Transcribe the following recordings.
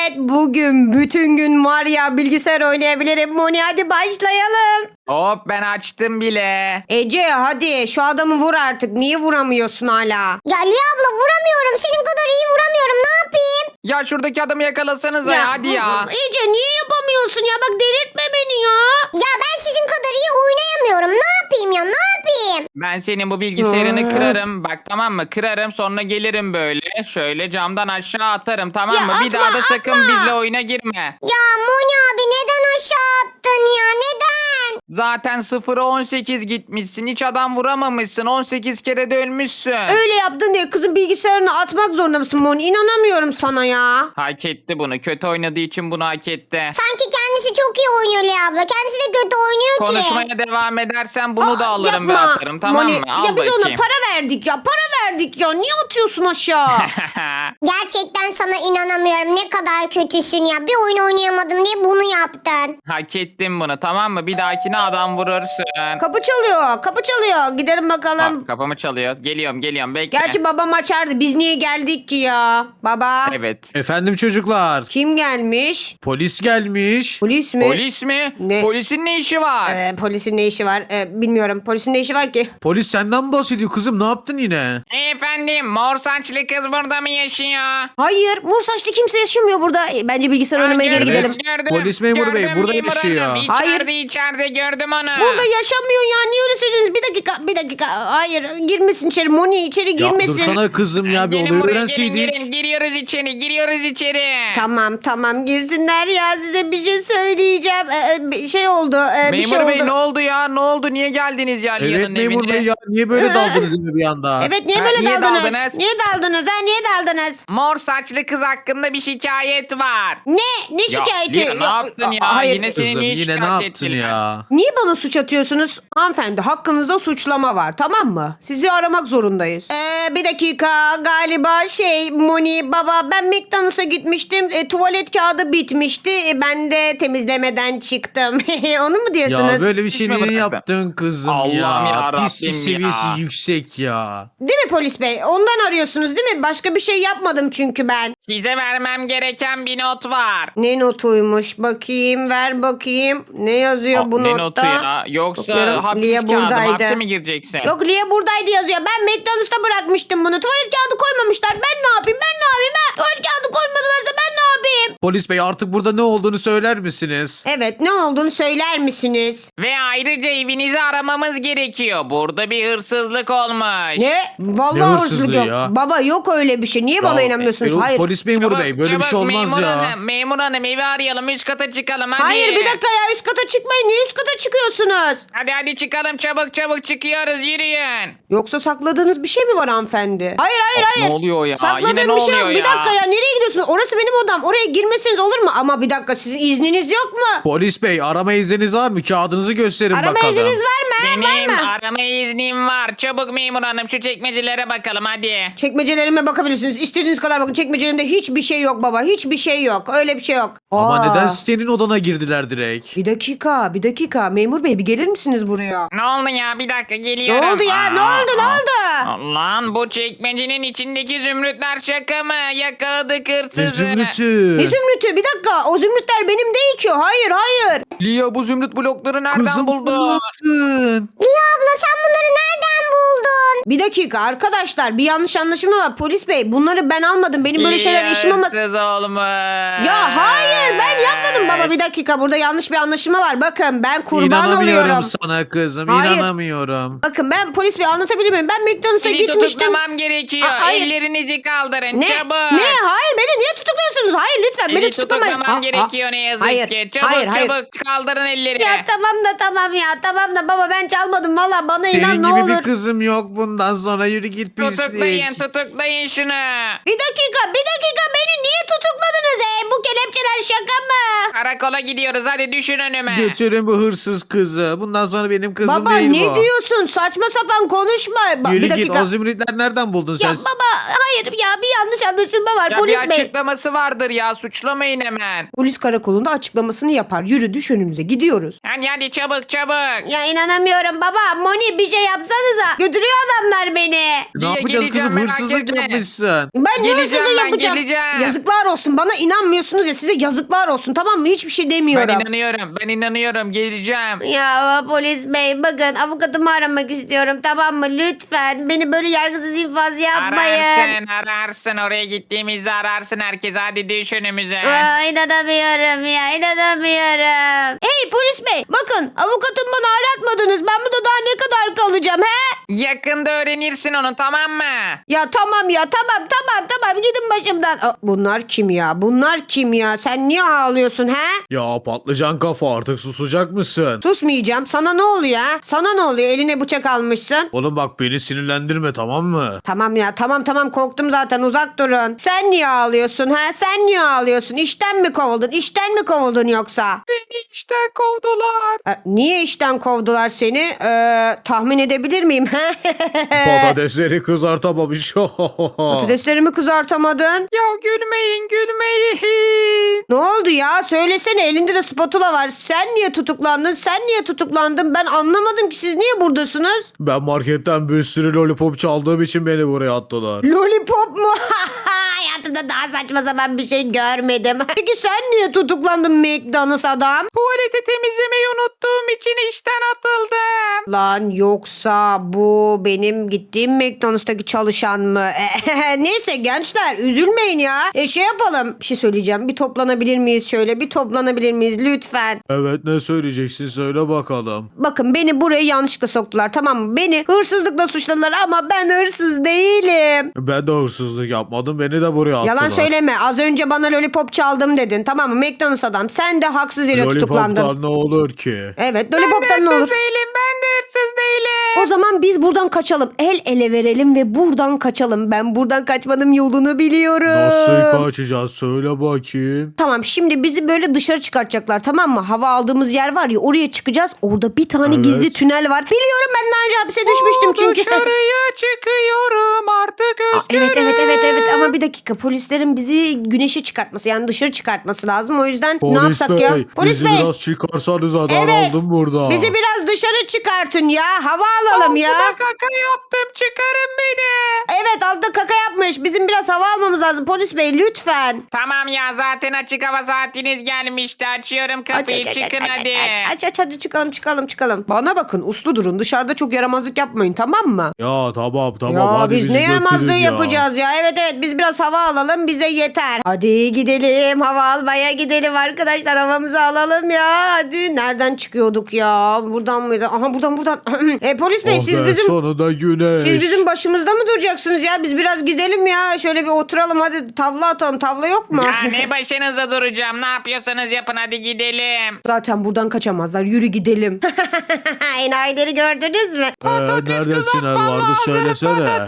Evet, bugün bütün gün var ya bilgisayar oynayabilirim. Moni, hadi başlayalım. Hop ben açtım bile. Ece, hadi şu adamı vur artık. Niye vuramıyorsun hala? Ya Liya abla vuramıyorum. Senin kadar iyi vuramıyorum. Ne yapayım? Ya şuradaki adamı yakalasanıza ya, hadi ya. Ece, niye yapamıyorsun ya? Bak, delirtme beni ya. Ya ben sizin kadar iyi oynayamıyorum. Ne yapayım ya? Ne yapayım? Ben senin bu bilgisayarını kırarım. Bak, tamam mı? Kırarım, sonra gelirim böyle. Şöyle camdan aşağı atarım, tamam Ya mı? Bir atma, daha da sakın atma. bizle oyuna girme. Ya Moni abi neden aşağı attın ya? Neden? Zaten 0'a 18 gitmişsin. Hiç adam vuramamışsın. 18 kere de ölmüşsün. Öyle yaptın diye kızın bilgisayarını atmak zorunda mısın Moni? İnanamıyorum sana ya. Hak etti bunu. Kötü oynadığı için bunu hak etti. Sanki kendisi çok iyi oynuyor Liya abla. Kendisi de kötü oynuyor ki. Konuşmaya devam edersen bunu da alırım ve Yapma. atarım, tamam Moni, mı? Al ya biz bakayım. ona para verdik ya. Para verdik ya. Niye atıyorsun aşağı? Gerçekten sana inanamıyorum. Ne kadar kötüsün ya. Bir oyun oynayamadım diye bunu yaptın. Hak ettim bunu, tamam mı? Bir dahakine adam vurursun. Kapı çalıyor. Kapı çalıyor. Gidelim bakalım. Kapımı çalıyor. Geliyorum bekle. Gerçi babam açardı. Biz niye geldik ki ya? Baba. Evet. Efendim çocuklar. Kim gelmiş? Polis gelmiş. Polis mi? Polis mi? Ne? Polisin ne işi var? Polisin ne işi var? Bilmiyorum. Polisin ne işi var ki? Polis senden mi bahsediyor kızım? Ne yaptın yine? Efendim, mor saçlı kız burada mı yaşıyor? Hayır. Mor saçlı kimse yaşamıyor burada. Bence bilgisayar oynamaya geri Gördüm, gidelim. gördüm. Polis memuru bey, Gördüm burada memur yaşıyor. hanım. Hayır. İçeride gördüm onu. Burada yaşamıyor ya. Niye öyle söylediniz? Bir dakika. Hayır. Girmesin içeri. Moni içeri Ya girmesin. dursana kızım ya bir Gelin olayı buraya, öğrenseydik. gelin. Giriyoruz içeri. Tamam girsinler ya, size bir şey söyleyeceğim. Bir şey oldu. Bir şey Memur bey, oldu. ne oldu ya? Ne oldu? Niye geldiniz ya Evet Lia'nın memur evine? bey ya niye böyle daldınız eve bir anda? Evet, niye Ha, böyle niye daldınız? daldınız? Niye daldınız ha? Niye daldınız? Mor saçlı kız hakkında bir şikayet var. Ne şikayeti? Lia, ne yaptın ya? Hayır. Yine seni Kızım niye yine ne şikayet yaptın ettiler? ya? Niye bana suç atıyorsunuz? Hanımefendi, hakkınızda suçlama var, tamam mı? Sizi aramak zorundayız. Bir dakika, galiba Moni baba, ben McDonald's'a gitmiştim. Tuvalet kağıdı bitmişti. Ben de temizlemeden çıktım. Onu mu diyorsunuz? Ya böyle bir şey Hiç mi niye bıraktın? yaptın kızım Allah'ım ya? yarabbim Pislik ya. seviyesi yüksek ya. Değil mi polis bey? Ondan arıyorsunuz değil mi? Başka bir şey yapmadım çünkü ben. Size vermem gereken bir not var. Ne notuymuş? Bakayım, ver bakayım. Ne yazıyor bu Ne notta? notu ya? Yoksa Bakıyorum, hapis Lia kağıdı mı? buradaydı. Hapse mi gireceksin? Yok, Lia buradaydı yazıyor. Ben McDonald's'ta bırakmıştım bunu. Tuvalet kağıdı koymamışlar. Ben ne yapayım? Ha? Tuvalet kağıdı koymadılarsa ben ne yapayım? Polis bey artık burada ne olduğunu söyler misiniz? Evet, ne olduğunu söyler misiniz? Ve ayrıca evinizi aramamız gerekiyor. Burada bir hırsızlık olmuş. Ne? Vallahi Ne hırsızlık hırsızlığı yok. ya? Baba, yok öyle bir şey. Niye bana inanmıyorsunuz? Yok, Hayır. polis memuru bey böyle bir şey olmaz memur ya. Hanım, memur hanım, evi arayalım, üst kata çıkalım hadi. Hayır, bir dakika ya, üst kata çıkmayın. Niye üst kata çıkıyorsunuz? Hadi çıkalım, çabuk çıkıyoruz, yürüyün. Yoksa sakladığınız bir şey mi var hanımefendi? Hayır. Ne oluyor ya? Sakladığım Yine ne bir şey yok. oluyor Bir ya? dakika ya, nereye gidiyorsunuz? Orası benim odam. Oraya girmeseniz olur mu? Ama bir dakika, sizin izniniz yok mu? Polis bey arama izniniz var mı? Kağıdınızı gösterin Arama bakalım. izniniz var mı? Benim Var mı? arama iznim var. Çabuk memur hanım, şu çekmecelere bakalım hadi. Çekmecelerime bakabilirsiniz. İstediğiniz kadar bakın. Çekmecelerimde hiçbir şey yok baba. Hiçbir şey yok. Öyle bir şey yok. Ama Aa. neden senin odana girdiler direkt? Bir dakika. Memur bey, bir gelir misiniz buraya? Ne oldu ya? Bir dakika Ne geliyorum. oldu ya? Ne oldu? Lan bu çekmecenin içindeki zümrütler şaka mı? Yakaladık Ne hırsızı. zümrütü? Ne zümrütü? Bir dakika. O zümrütler benim değil ki. Hayır. Lia, bu zümrüt blokları nereden Kızım ne buldu? yaptın? Liya abla sen bunları nereden buldun? Bir dakika arkadaşlar. Bir yanlış anlaşılma var. Polis bey, bunları ben almadım. Benim böyle şeyler Lia işim olmaz. hırsız olmuş. Ya hayır, ben yapmadım baba, bir dakika, burada yanlış bir anlaşılma var. Bakın, ben kurban İnanamıyorum oluyorum. sana kızım. Hayır. İnanamıyorum. Bakın, ben polis bey anlatabilir miyim? Ben McDonald's'a Seni gitmiştim. tutuklamam gerekiyor. Hayır. Ellerinizi kaldırın Ne? çabuk. Ne? Hayır, beni niye tutukluyorsunuz? Hayır, lütfen beni Seni tutuklamayın. tutuklamam gerekiyor ne yazık hayır, ki. Çabuk hayır. kaldırın elleri. Ya tamam da baba, ben çalmadım valla, bana inan Senin ne gibi olur. bir kızım yok bundan sonra yürü git pislik. Tutuklayın şunu. Bir dakika, beni niye tutukladınız? Bu kelepçeler şaka mı? Karakola gidiyoruz hadi düşün önüme. Götürün bu hırsız kızı. Bundan sonra benim kızım Baba değil ne bu. diyorsun? Saçma sapan konuşma. Yürü Bir git. dakika. O zümrütler nereden buldun Ya sen? baba hayır ya bir yanlış anlaşılma var. Ya Polis bir bey. açıklaması vardır ya suçlamayın hemen. Polis karakolunda açıklamasını yapar. Yürü düş önümüze gidiyoruz. Hadi çabuk çabuk. Ya inanamıyorum baba. Moni bir şey yapsanıza. Götürüyor adamlar beni. Ne Niye yapacağız geleceğim, kızım? merak Hırsızlık etme. yapmışsın. Ben ne Geleceğim hırsızlığı ben, yapacağım? geleceğim. Yazıklar olsun. Bana inanmıyorsunuz ya size yazıklar olsun. Tamam mı? Hiçbir şey demiyorum. Ben inanıyorum geleceğim. Ya polis bey bakın avukatımı aramak istiyorum tamam mı? Lütfen beni böyle yargısız infaz yapmayın. Ararsın oraya gittiğimizde ararsın herkes hadi düş önümüze. Aa, inanamıyorum ya inanamıyorum. Hey polis bey bakın avukatım bana aratmadınız. Ben burada daha ne kadar kalacağım he? Yakında öğrenirsin onu tamam mı? Ya tamam ya tamam gidin başımdan. Aa, bunlar kim ya? Bunlar kim ya? Sen niye ağlıyorsun he? Ya patlıcan kafa artık susacak mısın? Susmayacağım. Sana ne oluyor ha? Sana ne oluyor? Eline bıçak almışsın. Oğlum bak beni sinirlendirme tamam mı? Tamam ya tamam korktum zaten uzak durun. Sen niye ağlıyorsun ha? Sen niye ağlıyorsun? İşten mi kovuldun? İşten mi kovuldun yoksa? Beni işten kovdular. Niye işten kovdular seni? Tahmin edebilir miyim? Patatesleri kızartamamış. Patateslerimi kızartamadın. Ya gülmeyin. Ne oldu ya? Söylesene elinde de spatula var. Sen niye tutuklandın? Sen niye tutuklandın? Ben anlamadım ki siz niye buradasınız? Ben marketten bir sürü lollipop çaldığım için beni buraya attılar. Lollipop mu? Hayatımda daha saçma sapan bir şey görmedim. Peki sen niye tutuklandın McDonald's adam? Tuvaleti temizlemeyi unuttuğum için işten atıldım. Lan yoksa bu benim gittiğim McDonald's'taki çalışan mı? Neyse gençler üzülmeyin ya. Şey yapalım. Bir şey söyleyeceğim. Bir toplanabilir miyiz şöyle? Bir toplanabilir miyiz lütfen? Evet ne söyleyeceksin söyle bakalım. Bakın beni buraya yanlışlıkla soktular tamam mı? Beni hırsızlıkla suçladılar ama ben hırsız değilim. Ben de hırsızlık yapmadım beni de buraya attılar. Yalan söyleme. Az önce bana lollipop çaldım dedin. Tamam mı? McDonald's adam. Sen de haksız yere tutuklandın. Lollipop'tan ne olur ki? Evet lollipop'tan ne olur? Ben de hırsız değilim. O zaman biz buradan kaçalım. El ele verelim ve buradan kaçalım. Ben buradan kaçmanın yolunu biliyorum. Nasıl kaçacağız söyle bakayım. Tamam şimdi bizi böyle dışarı çıkartacaklar tamam mı? Hava aldığımız yer var ya oraya çıkacağız. Orada bir tane Evet. gizli tünel var. Biliyorum ben daha önce hapise düşmüştüm çünkü. Dışarıya çıkıyorum artık Evet ama bir dakika polislerin bizi güneşe çıkartması yani dışarı çıkartması lazım. O yüzden ne Polis yapsak bey, ya? Polis bizi bey. biraz çıkarsanız adam Evet. aldım burada. Bizi biraz dışarı çıkartın ya. Hava alalım ya. Ben kaka yaptım çıkarın beni. Evet altta kaka yapmış. Bizim biraz hava almamız lazım. Polis bey lütfen. Tamam ya zaten açık hava saatiniz gelmişti. Açıyorum kapıyı çıkın hadi. Aç hadi çıkalım. Bana bakın uslu durun. Dışarıda çok yaramazlık yapmayın tamam mı? Ya tamam Ya hadi biz bizi ne yaramazlığı götürün ya. yapacağız ya. Evet biz biraz hava alalım bize yeter. Hadi gidelim hava almaya gidelim arkadaşlar havamızı alalım ya. Hadi nereden çıkıyorduk ya? Buradan mıydı? Aha buradan. Polis bey Oh siz be, bizim sonunda güneş. siz bizim başımızda mı duracaksınız ya? Biz biraz gidelim ya. Şöyle bir oturalım hadi tavla atalım. Tavla yok mu? Ya ne başınıza duracağım. Ne yapıyorsanız yapın hadi gidelim. Zaten buradan kaçamazlar. Yürü gidelim. Enayileri gördünüz mü? Nerede tünel vardı söylesene.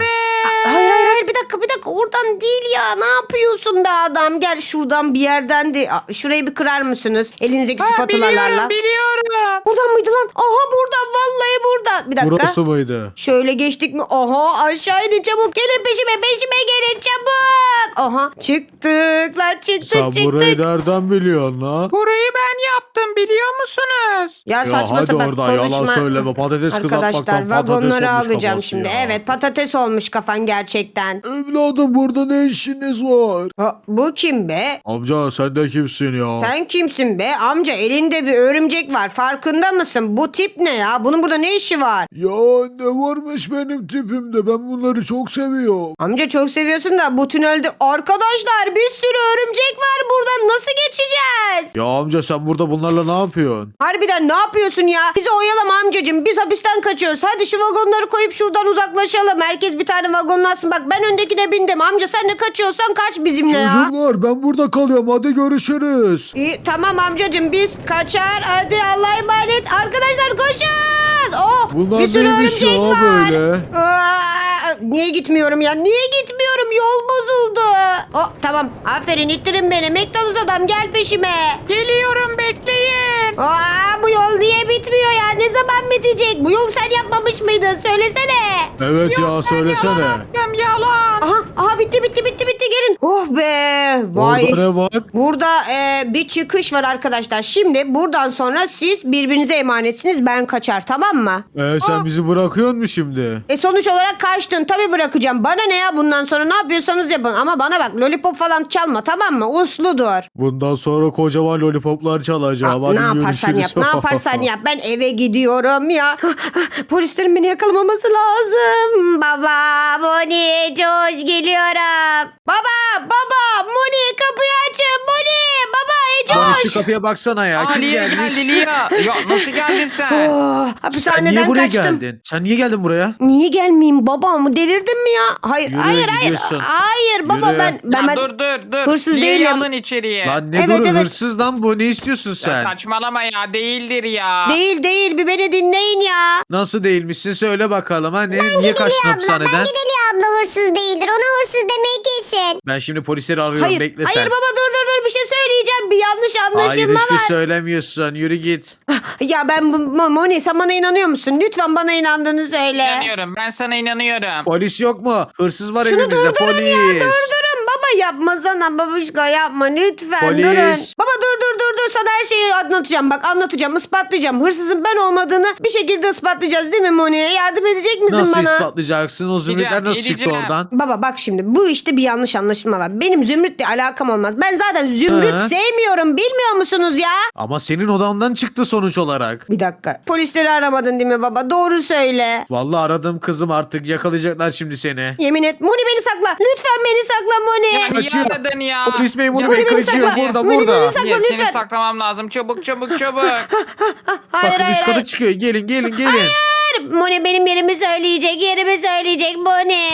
Hayır bir dakika oradan değil ya ne yapıyorsun be adam gel şuradan bir yerden de şurayı bir kırar mısınız elinizdeki spatulalarla. Biliyorum. Buradan mıydı lan? Aha buradan vallahi buradan. Bir dakika. Burası mıydı? Şöyle geçtik mi? Aha aşağı inin çabuk gelin peşime gelin çabuk. Aha çıktık lan Sen burayı nereden biliyorsun la? Burayı ben yaptım biliyor musunuz? Ya Ya saçma hadi sapan orada konuşma. yalan söyleme patates Arkadaşlar kızartmaktan patates vagonları olmuş alacağım kafası şimdi. ya. Evet patates olmuş kafan gerçekten. Evladım burada ne işiniz var? Bu kim be? Amca sen de kimsin ya? Sen kimsin be? Amca elinde bir örümcek var. Farkında mısın? Bu tip ne ya? Bunun burada ne işi var? Ya ne varmış benim tipimde ben bunları çok seviyorum. Amca çok seviyorsun da bu tünelde arkadaşlar bir sürü örümcek var burada. Nasıl geçeceğiz? Ya amca sen burada bunlarla ne yapıyorsun? Harbiden ne yapıyorsun ya? Bizi oyalama amcacığım. Biz hapisten kaçıyoruz. Hadi şu vagonları koyup şuradan uzaklaşalım. Herkes bir tane vagonlasın. Bak ben öndekine bindim. Amca sen de kaçıyorsan kaç bizimle ya. Çocuklar ben burada kalıyorum hadi görüşürüz. İyi, tamam amcacığım biz kaçar. Hadi Allah'a emanet. Arkadaşlar koşun. Oh, Bunlar bir sürü neymiş örümcek ya var. böyle? Niye gitmiyorum ya? Niye gitmiyorum yol bozuldu. Oh tamam aferin ittirin beni. McDonald's adam gel peşime. Geliyorum bekleyin. Aa, bu yol niye bitmiyor ya? Ne zaman bitecek? Bu yolu sen yapmamış mıydın? Söylesene. Evet ya Ben söylesene. yalan attım, yalan. Aha bitti gelin. Oh be. Vay. Orada ne var? Burada bir çıkış var arkadaşlar. Şimdi buradan sonra siz birbirinize emanetsiniz. Ben kaçar tamam mı? Sen bizi bırakıyor musun şimdi? Sonuç olarak kaçtın. Tabii bırakacağım. Bana ne ya bundan sonra ne yapıyorsanız yapın. Ama bana bak lollipop falan çalma tamam mı? Uslu dur. Bundan sonra kocaman lollipoplar çalacağım. Hadi Ne yaparsan yap. görüşürüz. Ne yaparsan yap. Ben eve gidiyorum ya. Polislerin beni yakalamaması lazım. Baba, Moni, George geliyorum. Baba, Moni kapıyı açın. Moni, baba, Lan George. şu kapıya baksana ya. Aa, Kim Lia gelmiş? geldi Lia. Ya nasıl geldin sen? Oh, Sen niye hapishaneden buraya kaçtım. geldin? Sen niye geldin buraya? Niye gelmeyeyim baba mı? Delirdin mi ya? Hayır, Yürü, hayır. gidiyorsun. Hayır baba Yürü. ben Dur. hırsız Lia'yı değilim. alın içeriye. Lan ne Evet, duru evet. hırsız lan bu. Ne istiyorsun Ya sen? saçmalama ya değildir ya. Değil bir beni dinleyin ya. Nasıl değilmişsin söyle bakalım. Ha? Niye kaçtın Abla hapishaneden? bence de Lia abla hırsız değildir. Ona hırsız demeyi kesin. Ben şimdi polisleri arıyorum. Hayır Bekle sen. baba dur bir şey söyleyeceğim. Bir yanlış Hayır anlaşılma hiçbir var. söylemiyorsun. Yürü git. Ya Moni sen bana inanıyor musun? Lütfen bana inandığını söyle. İnanıyorum ben sana inanıyorum. Polis yok mu? Hırsız var Şunu evimizde. durdurun Polis. ya durdurun. Baba yapmasana babuşka yapma lütfen Polis. durun. Baba dur sana her şeyi anlatacağım. Bak anlatacağım ispatlayacağım. Hırsızın ben olmadığını bir şekilde ispatlayacağız değil mi Moni? Yardım edecek misin Nasıl bana? ispatlayacaksın? O zümrütler nasıl çıktı gideceğim. oradan? Baba bak şimdi bu işte bir yanlış anlaşılma var. Benim Zümrüt'le alakam olmaz. Ben zaten Zümrüt Hı. sevmiyorum bilmiyor musunuz ya? Ama senin odandan çıktı sonuç olarak. Bir dakika. Polisleri aramadın değil mi baba? Doğru söyle. Vallahi aradım kızım artık yakalayacaklar şimdi seni. Yemin et. Moni beni sakla. Lütfen beni sakla Moni. Ya niye Kaçıyor. aradın ya? Polis memuru Ya bey beni kaçıyor. sakla. Burada Beni burada. sakla. Ya, lütfen. seni saklamam lazım. Çabuk. Hayır Bakın üst kata çıkıyor. Gelin. Moni benim yerimi söyleyecek Moni.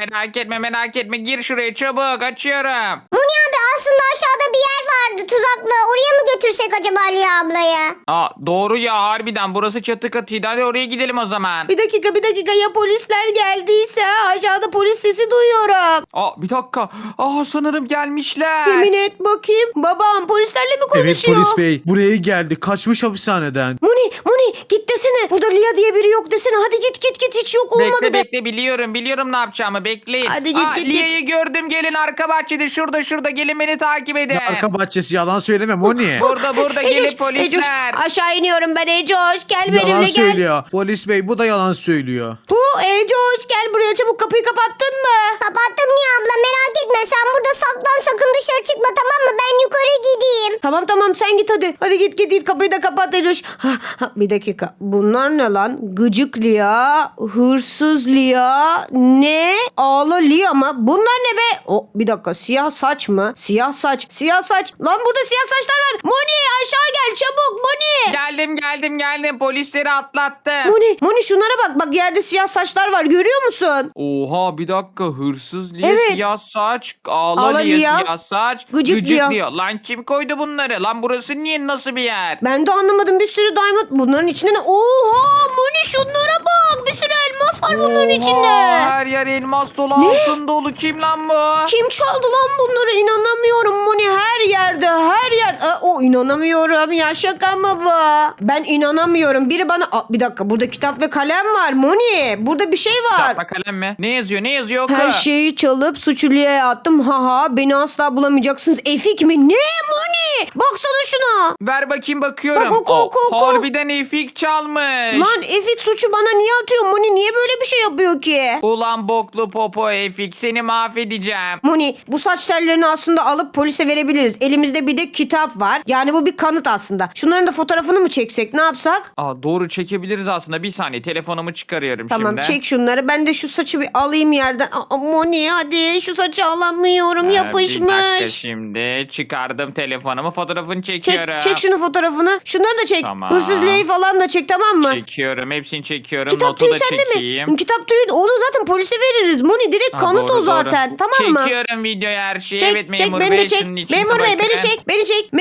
Merak etme. Gir şuraya çabuk. Açıyorum. Moni abi aslında aşağıda bir yer vardı tuzaklı. Oraya mı götürsek acaba Lia ablayı? Aa, doğru ya harbiden. Burası çatı katıydı. Hadi oraya gidelim o zaman. Bir dakika ya polisler geldiyse aşağıda polis sesi duyuyorum. Aa, bir dakika. Aa, sanırım gelmişler. Yemin et bakayım. Babam polislerle mi Evet konuşuyor? polis bey buraya geldi. Kaçmış hapishaneden. Moni git desene. Burada Lia diye biri yok desene. Hadi git hiç yok olmadı de. Bekle biliyorum ne yapacağımı bekleyin. Hadi git, git. Lia'yı gördüm gelin arka bahçede şurada gelin beni takip edin. Arka bahçesi yalan söyleme Moni. Burada gelin Ecoş, polisler. aşağı iniyorum ben Ecoş. Gel Yalan benimle gel. söylüyor. Polis bey bu da yalan söylüyor. Ecoş gel buraya çabuk kapıyı kapattın mı? Kapattım Lia abla merak etme. Sen burada saklan sakın dışarı çıkma tamam mı? Ben yukarı gideyim. Tamam sen git hadi. Hadi git kapıyı da kapat Ecoş. Bir dakika. Bunlar ne lan? Gıcık Lia, hırsız Lia, ne? Ağla Lia mı? Bunlar ne be? Bir dakika siyah saç mı? Siyah saç. Lan burada siyah saçlar var. Moni aşağı gel çabuk Moni. Geldim polisleri atlattım. Moni şunlara bak. Bak yerde siyah saçlar var. Görüyor musun? Oha bir dakika hırsız Lia Evet. siyah saç ağla Ağla Lia Lia, siyah saç gıcık Lia. Lan kim koydu bunları lan burası niye nasıl bir yer? Ben de anlamadım. Bir sürü diamond. Bunların içinde ne? Oha Moni şunlara bak. Bir sürü elmas var bunların Oha, içinde. her yer elmas dolu altın dolu kim lan bu? Kim çaldı lan bunları? İnanamıyorum Moni. Her yerde. İnanamıyorum. Ya şaka mı bu? Ben inanamıyorum. Biri bana... bir dakika. Burada kitap ve kalem var Moni. Burada bir şey var. Kitap kalem mi? Ne yazıyor Her oku. şeyi çalıp suçluya attım. Beni asla bulamayacaksınız. Efik mi? Ne Moni? Baksana şuna. Ver bakayım bakıyorum. Bak, oku. Harbiden Efik çalmış. Lan Efik suçu bana niye atıyor? Moni niye böyle bir şey yapıyor ki? Ulan boklu popo Efik seni mahvedeceğim. Moni bu saç tellerini aslında alıp polise verebiliriz. Elimizde bir de kitap var. Yani bu bir kanıt aslında. Şunların da fotoğrafını mı çeksek? Ne yapsak? Doğru çekebiliriz aslında. Bir saniye telefonumu çıkarıyorum Tamam şimdi. çek şunları. Ben de şu saçı bir alayım yerden. Moni hadi şu saçı alamıyorum. Bir dakika Yapışmış. şimdi çıkardım telefonumu fotoğrafını çekiyorum. Çek şunu fotoğrafını. Şunları da çek. Tamam. Hırsızlığı falan da çek tamam mı? Çekiyorum hepsini çekiyorum. Kitap Notu tüyü da sende çekeyim. mi? Kitap tüyü onu zaten polise veririz. Moni direkt kanıt Doğru, o zaten. doğru. Tamam mı? Çekiyorum videoya her şeyi. Çek, Evet çek memur beni bey de çek. şunun içine Memur bey beni bakın. çek. Memur bey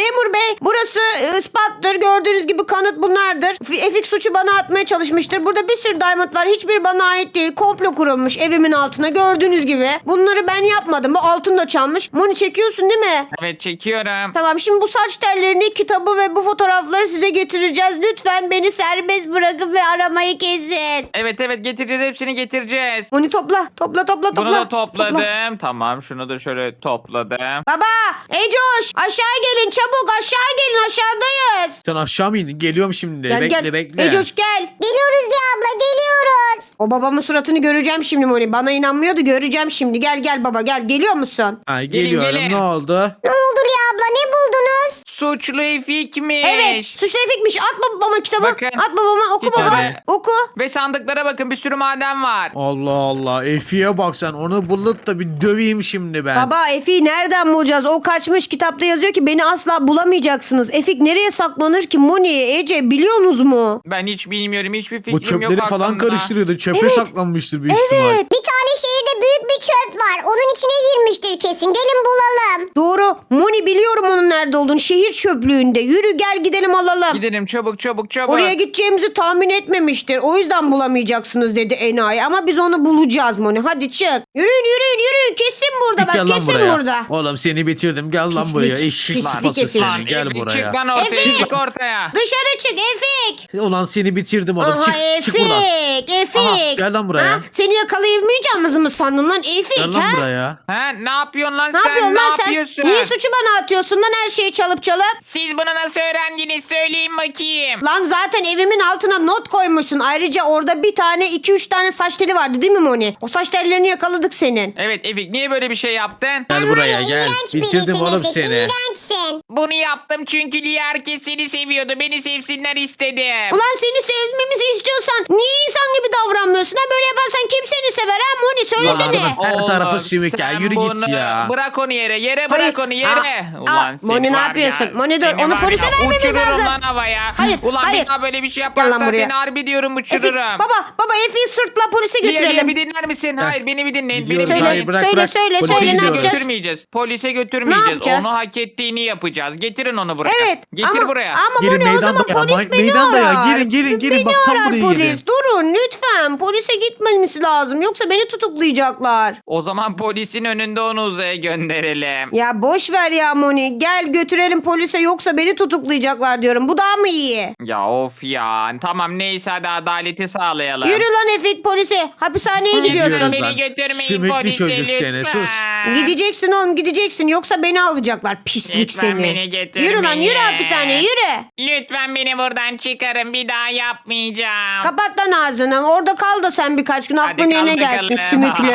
burası ispattır. Gördüğünüz gibi kanıt bunlardır. Efik suçu bana atmaya çalışmıştır. Burada bir sürü diamond var. Hiçbir bana ait değil. Komplo kurulmuş evimin altına. Gördüğünüz gibi. Bunları ben yapmadım. Bu altın da çalmış. Moni çekiyorsun değil mi? Evet çekiyorum. Tamam, şimdi bu saç tellerini, kitabı ve bu fotoğrafları size getireceğiz. Lütfen beni serbest bırakın ve aramayı kesin. Evet getireceğiz, hepsini getireceğiz. Moni topla. Bunu da topladım. Tamam, şunu da şöyle topladım. Baba, Ecoş, aşağı gelin çabuk, aşağı gelin, aşağıdayız. Sen aşağı mı indin? Geliyorum şimdi. Bekle. Ecoş gel. Geliyoruz Lia abla geliyoruz. O babamın suratını göreceğim şimdi Moni. Bana inanmıyordu, göreceğim şimdi. Gel baba gel. Geliyor musun? Ay Gelin, geliyorum. gelin. Ne oldu? Ne oldu Lia abla ne buldunuz? Suçlu Efik'miş. Evet, suçlu Efik'miş. At babama kitabı. Bakın. At babama, oku Kitabı. baba. Oku. Ve sandıklara bakın, bir sürü maden var. Allah Allah. Efi'ye bak sen. Onu bulup da bir döveyim şimdi ben. Baba, Efik'i nereden bulacağız? O kaçmış, kitapta yazıyor ki beni asla bulamayacaksınız. Efik nereye saklanır ki? Moni, Ece biliyorsunuz mu? Ben hiç bilmiyorum, hiçbir fikrim Bu yok çöpleri falan aklımda. karıştırıyordu. Çöpe Evet. saklanmıştır büyük ihtimal. Evet. Bir tane şehirde büyük bir çöp var. Onun içine girmiştir kesin. Gelin bulalım. Doğru. Moni, biliyorum onun nerede olduğunu. Şehir çöplüğünde. Yürü gel gidelim alalım. Gidelim çabuk. Oraya gideceğimizi tahmin etmemiştir. O yüzden bulamayacaksınız dedi enayi. Ama biz onu bulacağız Moni. Hadi çık. Yürüyün. Kesin burada bak. Gel lan Kesin buraya. burada. Oğlum seni bitirdim. Gel lan Pislik. buraya. Eşek Pislik sıpası Efe. seni. Gel Efik, buraya. çık lan ortaya. Efik. Çık ortaya. Dışarı çık Efik. Ulan seni bitirdim oğlum. Aha, Çık buradan. Efik. Aha, gel lan buraya. Ha? Seni yakalayamayacağımızı mı sandın lan Efik? Gel lan ha? buraya. Ha, ne yapıyorsun lan Ne sen? yapıyorsun Ne lan sen? yapıyorsun? Niye suçu bana atıyorsun lan her şeyi çalıp? Siz bunu nasıl öğrendiniz? Söyleyin bakayım. Lan zaten evimin altına not koymuşsun. Ayrıca orada bir tane 2-3 tane saç teli vardı değil mi Moni? O saç tellerini yakaladık senin. Evet Efik, niye böyle bir şey yaptın? Gel buraya gel. İğrenç Bitirdim birisin oğlum Efik, seni. İğrençsin. Bunu yaptım çünkü Lia herkes seni seviyordu. Beni sevsinler istedim. Ulan seni sevmemizi istiyorsan niye insan gibi davranmıyorsun? Ha, böyle yaparsan kim seni sever ha Moni? Söylesene. Ulan, her tarafı Oğlum, sümük ya. sen Yürü git bunu ya. Bırak onu yere. Yere Hayır. bırak onu yere. Ulan seni Moni, ne var yapıyorsun? ya, Moni, dur, seni onu var polise ya, vermemiz uçururum lazım. lan havaya. Hayır, Ulan hayır. bir daha böyle bir şey Gel lan yaparsan buraya. seni harbi diyorum Efik, uçururum. baba Efik'i sırtla polise Lia, götürelim. bir dinler misin? Hayır, beni bir dinleyin. Gidiyoruz. Beni bir Söyle, Hayır, dinleyin. bırak, bırak. söyle, Polise ne Polise yapacağız? götürmeyeceğiz. Polise götürmeyeceğiz. yapacağız? Onu hak ettiğini yapacağız. Getirin onu buraya. Evet. Getir buraya. Ama Gelin Moni, o zaman meydanda ya, polis beni meydanda ya. arar. Gelin. Beni Bak, tam arar buraya polis. gelin. Durun lütfen. Polise gitmemiz lazım. Yoksa beni tutuklayacaklar. O zaman polisin önünde onu uzaya gönderelim. Ya boş ver ya Moni. Gel götürelim polise, yoksa beni tutuklayacaklar diyorum. Bu daha mı iyi? Ya of ya. Tamam neyse, hadi adaleti sağlayalım. Yürü lan Efik, polise. Hapishaneye gidiyorsun. Gidiyoruz Beni lan. götürmeyin Sümüklü polise çocuk lütfen. seni, sus. Gideceksin oğlum, gideceksin. Yoksa beni alacaklar. Pislik Lütfen seni. beni götürmeyin. Yürü lan, yürü hapishaneye, yürü. Lütfen beni buradan çıkarın. Bir daha yapmayacağım. Kapat lan ağzını. Orada kal da sen birkaç gün, aklın Hadi yerine kal gelsin bakalım. sümüklü.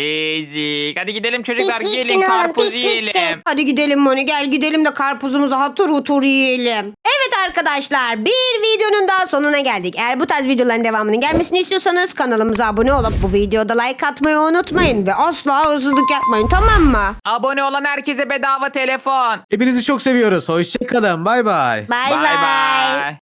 Ezik. Hadi gidelim çocuklar. Pisliksin Gelin oğlum, karpuz pisliksin. yiyelim. Hadi gidelim Moni, gel gidelim de karpuzumuzu hatır hutur yiyelim. Evet arkadaşlar, bir videonun daha sonuna geldik. Eğer bu tarz videoların devamının gelmesini istiyorsanız kanalımıza abone olup bu videoda like atmayı unutmayın. Ve asla hırsızlık yapmayın, tamam mı? Abone olan herkese bedava telefon. Hepinizi çok seviyoruz. Hoşçakalın. Bay bay. Bay Bye bay. bye.